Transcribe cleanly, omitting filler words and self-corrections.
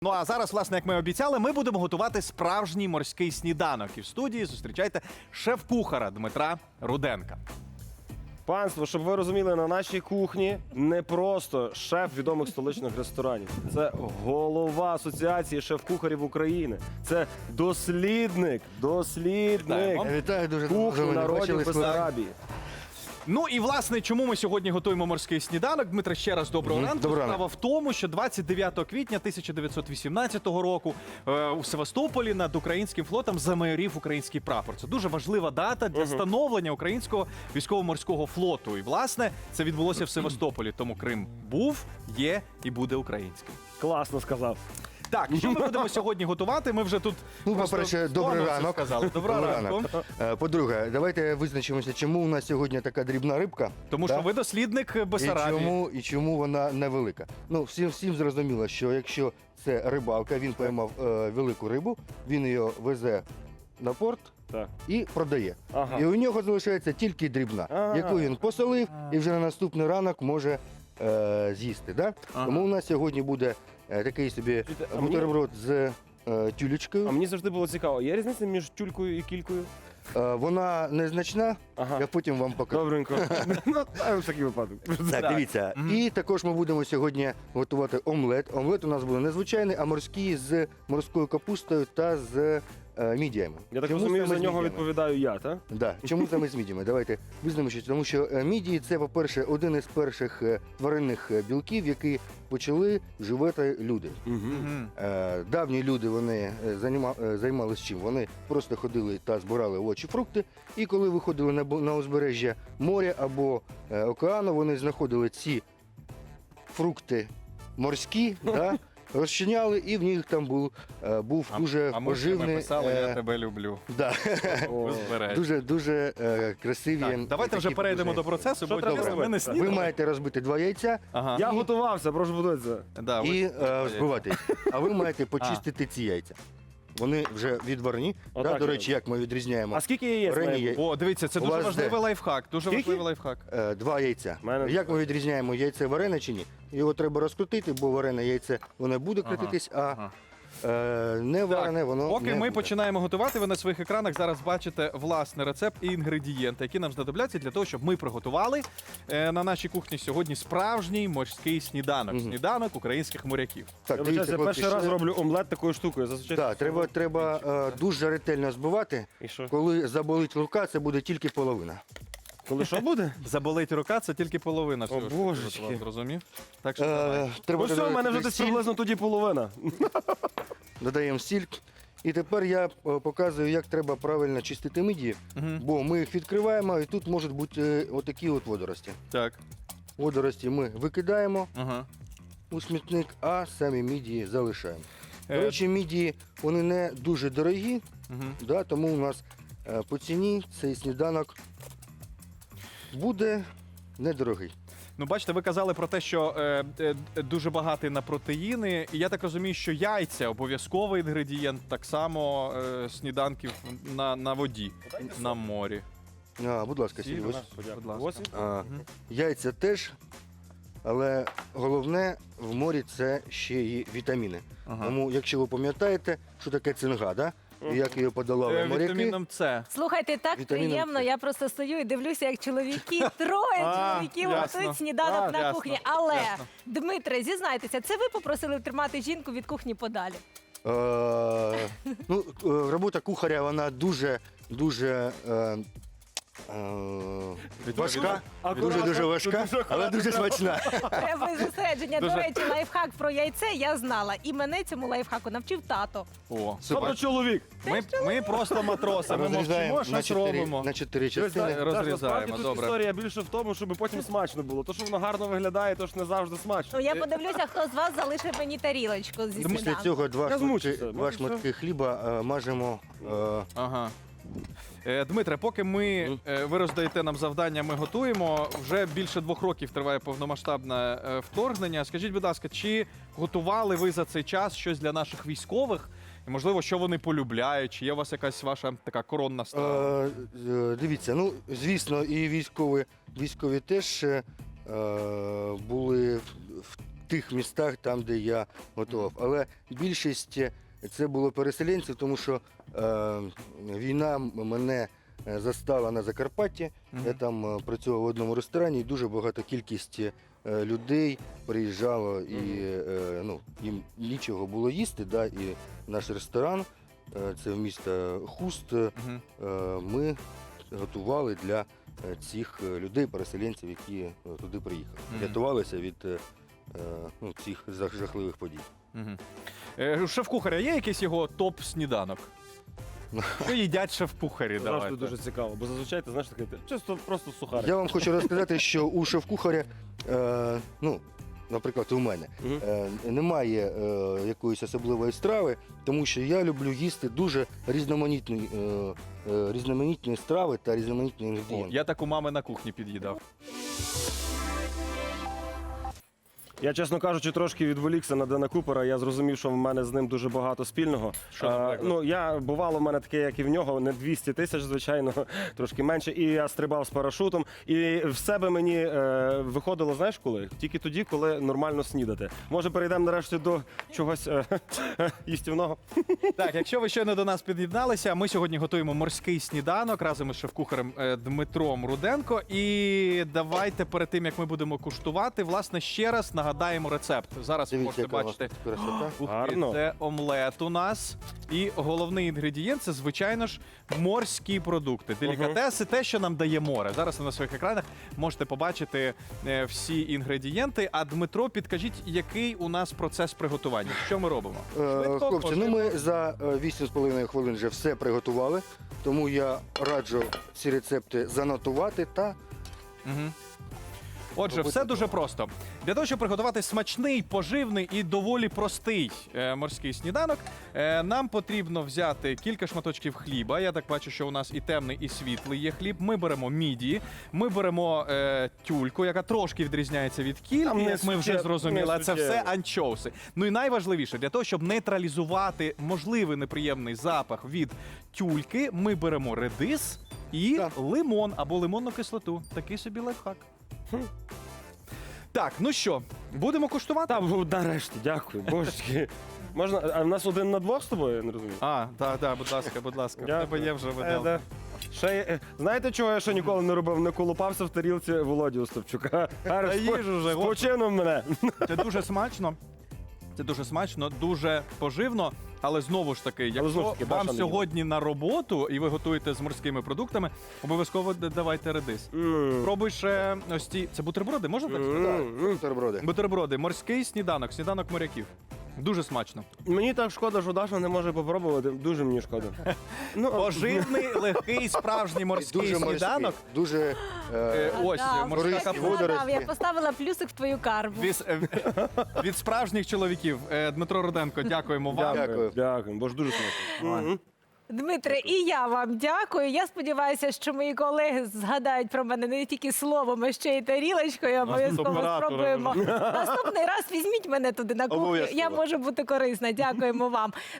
Ну а зараз, власне, як ми обіцяли, ми будемо готувати справжній морський сніданок. І в студії зустрічайте шеф-кухара Дмитра Руденка. Панство, щоб ви розуміли, на нашій кухні не просто шеф відомих столичних ресторанів. Це голова Асоціації шеф-кухарів України. Це дослідник Вітаю, дуже кухні давно не народів бачились. Бессарабії. Ну і, власне, чому ми сьогодні готуємо морський сніданок? Дмитре, ще раз доброго ранку. Доброго ранку. Справа в тому, що 29 квітня 1918 року у Севастополі над українським флотом замайорів український прапор. Це дуже важлива дата для становлення українського військово-морського флоту. І, власне, це відбулося в Севастополі. Тому Крим був, є і буде українським. Класно сказав. Так, що ми будемо сьогодні готувати? Ми вже тут Ну, просто по-перше, добрий вдома ранок. все сказали. Доброго ранку. По-друге, давайте визначимося, чому у нас сьогодні така дрібна рибка. Тому да? що ви дослідник Бессарабії. І чому вона невелика. Ну, всім зрозуміло, що якщо це рибалка, він поймав велику рибу, він її везе на порт Так. і продає. Ага. І у нього залишається тільки дрібна, Ага. яку він посолив і вже на наступний ранок може з'їсти. Да? Ага. Тому у нас сьогодні буде такий собі А мені- бутерброд з тюлечкою. А мені завжди було цікаво, є різниця між тюлькою і кількою? Вона незначна, Ага. я потім вам покажу. Добренько. Ну, в такий випадок. Так, дивіться. І також ми будемо сьогодні готувати омлет. Омлет у нас буде незвичайний, а морський з морською капустою та з мідіями. Я так Чому розумію, саме за з нього мідіями? відповідаю я, так? Да. Чому саме з мідіями? Давайте визнаємося, тому що мідії це, по-перше, один із перших тваринних білків, які почали вживати люди. Мгм. Давні люди вони займалися чим? Вони просто ходили та збирали овочі, фрукти, і коли виходили на узбережжя моря або океану, вони знаходили ці фрукти морські, да, розчиняли, і в них там був дуже А ми поживний, писали «Я тебе люблю». да, Узбережжя. дуже красиві. Так, давайте вже такі перейдемо до поживні. процесу, Що бо треба чесно, ми не робити? снідали. Ви маєте розбити 2 яйця Ага. Я готувався, прошу подивитися. Да, і ви- збивати їх. А ви маєте почистити ці яйця. Вони вже відварні. Отак Да, до я речі, як ми відрізняємо. А скільки яєць Варені має бути? О, дивіться, це У дуже вас важливий де? лайфхак. Дуже Скільки? важливий лайфхак. 2 яйця. Мене- Як ми відрізняємо яйце варене чи ні? Його треба розкрутити, бо варене яйце воно буде Ага, крутитись, а ага. не варене воно Поки не ми буде. починаємо готувати, ви на своїх екранах зараз бачите власний рецепт і інгредієнти, які нам знадобляться для того, щоб ми приготували на нашій кухні сьогодні справжній морський сніданок. Сніданок українських моряків. Так, Я дивіться, вибачаюся, хлопці, перший раз що- роблю омлет такою штукою. Зазвичай Так, треба дуже ретельно збивати. І що? Коли заболить рука, це буде тільки половина. Коли що буде? Заболить рука, це тільки половина всього. що божечки. я приготував, зрозумів? Так що давай. Треба Ну все, в мене вже додати десь сіль, приблизно тоді половина. додаємо сіль. І тепер я показую, як треба правильно чистити мидії, бо ми їх відкриваємо, і тут можуть бути отакі от водорості. Так. Водорості ми викидаємо Ага. у смітник, а самі мідії залишаємо. До Е. речі, мідії вони не дуже дорогі, Мгм. да, тому у нас по ціні цей сніданок буде недорогий. Ну, бачите, ви казали про те, що дуже багатий на протеїни. І я так розумію, що яйця обов'язковий інгредієнт так само сніданків на воді, на морі. Будь ласка, Сіль, Сіль, ось. будь ласка. Ось. Яйця теж, але головне в морі це ще і вітаміни. Ага. Тому, якщо ви пам'ятаєте, що таке цинга, да? І як її подолали моряки. Вітаміном С. Слухайте, так Вітаміном приємно. С. Я просто стою і дивлюся, як чоловіки, троє чоловіків ясно. готують сніданок на Ясно, кухні. Але, ясно. Дмитре, зізнайтеся, це ви попросили тримати жінку від кухні подалі? Робота кухаря, вона дуже важка, дуже важка, але дуже смачна. Треба зосередження. До Дуже. речі, лайфхак про яйце я знала. І мене цьому лайфхаку навчив тато. О, Тобто чоловік. ми просто матроси, ми мовчимо, щось робимо. на 4 частини. Розрізаємо, Насправді тут добре. історія більше в тому, щоб потім смачно було. То, що воно гарно виглядає, то ж не завжди смачно. Ну, я подивлюся, хто з вас залишив мені тарілочку зі Після сніданку. цього Я змучився. два шматки хліба мажемо. Ага. Дмитре, поки ви роздаєте нам завдання, ми готуємо. Вже більше 2 років триває повномасштабне вторгнення. Скажіть, будь ласка, чи готували ви за цей час щось для наших військових? І, можливо, що вони полюбляють? Чи є у вас якась ваша така коронна страва? Дивіться, ну звісно, і військові теж були в тих містах, там, де я готував. Але більшість це було переселенців, тому що війна мене застала на Закарпатті. Я там працював в одному ресторані, і дуже багата кількість людей приїжджало, і їм нічого було їсти. Да, і наш ресторан, це в місто Хуст, ми готували для цих людей, переселенців, які туди приїхали. Рятувалися від цих жахливих подій. У шеф-кухаря є якийсь його топ-сніданок? Що їдять шеф-кухарі? Завжди Давайте. дуже цікаво, бо зазвичай ти знаєш таке, чисто просто сухарик. Я вам хочу розказати, що у шеф-кухаря, наприклад, у мене, немає якоїсь особливої страви, тому що я люблю їсти дуже різноманітні страви та різноманітні інгредієнти. Я так у мами на кухні під'їдав. Я, чесно кажучи, трошки відволікся на Дена Купера. Я зрозумів, що в мене з ним дуже багато спільного. Що, наприклад? Бувало в мене таке, як і в нього, не 200 тисяч, звичайно, трошки менше. І я стрибав з парашутом. І в себе мені виходило, знаєш коли? Тільки тоді, коли нормально снідати. Може, перейдемо нарешті до чогось їстівного? Так, якщо ви щойно до нас під'єдналися, ми сьогодні готуємо морський сніданок разом із шеф-кухарем Дмитром Руденко. І давайте перед тим, як ми будемо куштувати, власне, ще раз нагадаємо рецепт. Зараз ви Дивіться, можете яка у вас бачити. тут красота. Ух ти, Гарно. це омлет у нас. І головний інгредієнт це, звичайно ж, морські продукти. Делікатеси, те, що нам дає море. Зараз ви на своїх екранах можете побачити всі інгредієнти. А Дмитро, підкажіть, який у нас процес приготування? Що ми робимо? Швидко, Хлопці, поживно? ми за 8,5 хвилин вже все приготували, тому я раджу ці рецепти занотувати та Мгм. Отже, Робити все дуже просто. Для того, щоб приготувати смачний, поживний і доволі простий морський сніданок, нам потрібно взяти кілька шматочків хліба. Я так бачу, що у нас і темний, і світлий є хліб. Ми беремо міді, ми беремо тюльку, яка трошки відрізняється від кільки, Там як ми вже не зрозуміли. Це суттєво. все анчоуси. Ну і найважливіше, для того, щоб нейтралізувати можливий неприємний запах від тюльки, ми беремо редис і Так. лимон або лимонну кислоту. Такий собі лайфхак. Так, ну що, будемо куштувати? Там, нарешті, дякую, божечки. Можна, а в нас 1 на 2 з тобою, я не розумію? Так, будь ласка, будь ласка. В Дякую. тебе є вже виделка. Да. Знаєте, чого я ще ніколи не робив? Не колупався в тарілці Володі Остапчука. Та їж уже, з почином мене. Це дуже смачно. Це дуже смачно, дуже поживно. Але знову ж таки, якщо знову ж таки, вам Даша не сьогодні на роботу і ви готуєте з морськими продуктами, обов'язково давайте редис. Пробуй ще ось ці. Це бутерброди, можна так сказати? бутерброди. Бутерброди, морський сніданок, сніданок моряків. Дуже смачно. Мені так шкода, що Даша не може попробувати. Дуже мені шкода. Ну, Поживний, легкий, справжній морський Дуже сніданок. морський, дуже Ось Да, морська корисні я капуста. згадав, водорості. я поставила плюсик в твою карму. Від справжніх чоловіків. Дмитро Руденко, дякуємо вам. Дякую. Дякую, бо ж дуже смачно. Дмитре, і я вам дякую. Я сподіваюся, що мої колеги згадають про мене не тільки словом, а ще й тарілочкою. Обов'язково оператора спробуємо. Наступний раз візьміть мене туди на кухню. Обов'язково. Я можу бути корисна. Дякуємо вам.